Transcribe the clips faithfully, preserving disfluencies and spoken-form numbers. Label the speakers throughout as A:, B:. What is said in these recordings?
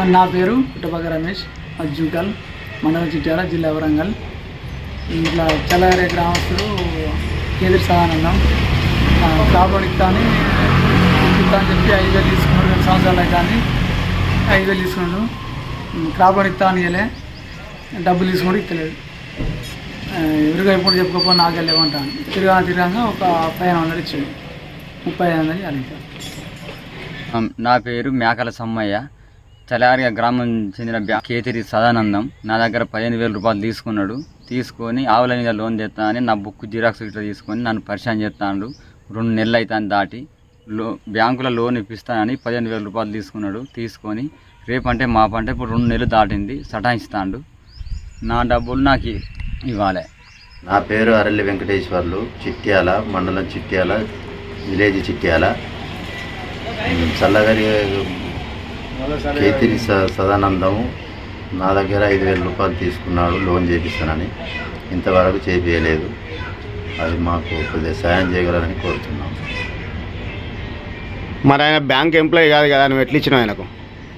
A: నా పేరు పుట్టపక్క రమేష్, అజ్జుకల్, మండలం చిట్యాల, జిల్లా వరంగల్. ఇట్లా చల్లగారే గ్రామస్తుడు కేదిరి సదానందం క్రాప్ ఇస్తాను ఇస్తా అని చెప్పి ఐదు వేలు తీసుకున్నాడు. రెండు సంవత్సరాలు కానీ ఐదు వేలు తీసుకున్నాడు. క్రాప్ ఇస్తా అని ఇవ్వలే, డబ్బులు తీసుకుంటూ ఇస్తలేదు. ఎదురుగా ఎప్పుడు చెప్పుకోపో నాకే లేవంటాను. తిరగా తిరగా ఒక పదిహేను వందలు ఇచ్చాడు, ముప్పై ఐదు వందలు అడిగాడు.
B: నా పేరు మేకల సమ్మయ్య, చలారిగా గ్రామం చెందిన బ్యా కేతిరి సదానందం. నా దగ్గర పదిహేను వేల రూపాయలు తీసుకున్నాడు. తీసుకొని ఆవుల మీద లోన్ తెస్తానని నా బుక్ జిరాక్స్ ఇట్లా తీసుకొని నన్ను పరిచయం చేస్తాడు. రెండు నెలలు అవుతాను దాటి లో బ్యాంకులో లోన్ ఇప్పిస్తానని పదిహేను వేల రూపాయలు తీసుకున్నాడు. తీసుకొని రేపంటే మాపంటే ఇప్పుడు రెండు నెలలు దాటింది, సటాయిస్తాడు. నా డబ్బులు నాకు ఇవ్వాలి.
C: నా పేరు అరల్లి వెంకటేశ్వర్లు, చిట్యాల మండలం, చిట్యాల విలేజ్ చిట్యాల. చల్లగారి కేతిరి సదానందము నా దగ్గర ఐదు వేల రూపాయలు తీసుకున్నాడు లోన్ చేపిస్తానని. ఇంతవరకు చేపించలేదు. అది మాకు కొద్దిగా సాయం చేయగలరని కోరుతున్నాం.
D: మరి ఆయన బ్యాంక్ ఎంప్లాయీ కాదు కదా, నువ్వు ఎట్లా ఇచ్చినావు ఆయనకు?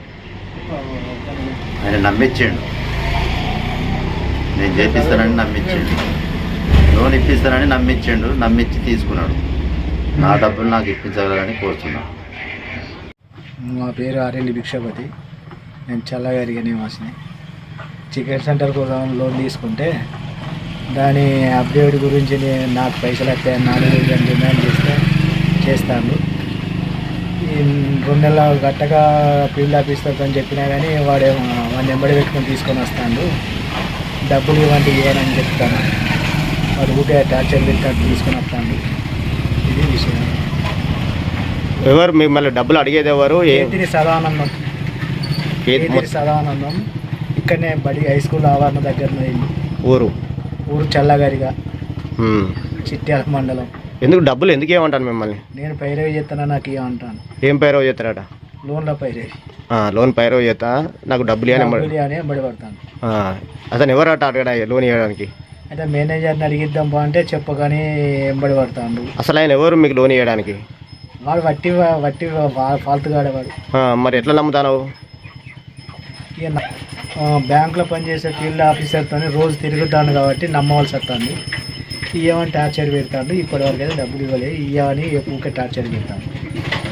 C: ఆయన నమ్మించిండు, నేను చేపిస్తానని నమ్మించిండు, లోన్ ఇప్పిస్తానని నమ్మించిండు. నమ్మించి తీసుకున్నాడు. నా డబ్బులు నాకు ఇప్పించగలరని కోరుతున్నాను.
E: మా పేరు ఆర్ఎండి భిక్షపతి, నేను చల్లగారిగా నివాసిని. చికెన్ సెంటర్ కోసం లోన్ తీసుకుంటే దాని అప్డేట్ గురించి నేను నాకు పైసలు వస్తాయని నాలుగు వేలు డిమాండ్ చేస్తే చేస్తాను. ఈ రెండు నెలల గట్టగా ఫీల్డ్ ఆఫీసర్తో అని చెప్పినా కానీ వాడే వాడిని ఎంబడి పెట్టుకొని తీసుకొని వస్తాడు. డబ్బులు ఇవ్వండి ఇవ్వనని చెప్తాను. వాడు ఊటే టార్చర్ పెట్టి తీసుకొని వస్తాడు. ఇది విషయం.
D: ఎవరు మిమ్మల్ని డబ్బులు అడిగేది ఎవరు?
E: కేతిరి సదానందం, కేతిరి సదానందం ఇక్కడనే బడి హై స్కూల్ ఆవరణ దగ్గర
D: ఊరు
E: ఊరు చల్లగారిగా, చిట్యాల మండలం.
D: ఎందుకు డబ్బులు ఎందుకు ఏమంటాను మిమ్మల్ని?
E: నేను పైరవి చేస్తానా, నాకు ఏమంటాను.
D: ఏం పైరవ్ చేస్తారట?
E: లోన్ల పైరవి.
D: లోన్ పైరవ్ చేస్తా, నాకు డబ్బులు అని
E: ఎంబడి పడతాను.
D: అతను ఎవరట అడగడా లోన్ ఇవ్వడానికి?
E: అయితే మేనేజర్ని అడిగిద్దాం బా అంటే చెప్పగానే ఎంబడి పడతాడు.
D: అసలు ఆయన ఎవరు మీకు లోన్ ఇవ్వడానికి?
E: వాడు వట్టి వట్టి ఫాల్తు కాడేవాడు.
D: మరి ఎట్లా నమ్ముతాను?
E: ఇక బ్యాంకులో పనిచేసే ఫీల్డ్ ఆఫీసర్తో రోజు తిరుగుతాను కాబట్టి నమ్మవలసి వస్తుంది. ఇవ్వమని టార్చర్ పెడతాడు. ఇప్పటివరకు అయితే డబ్బులు ఇవ్వలేదు. ఇవ్వని ఊరికే టార్చర్ పెడతాను.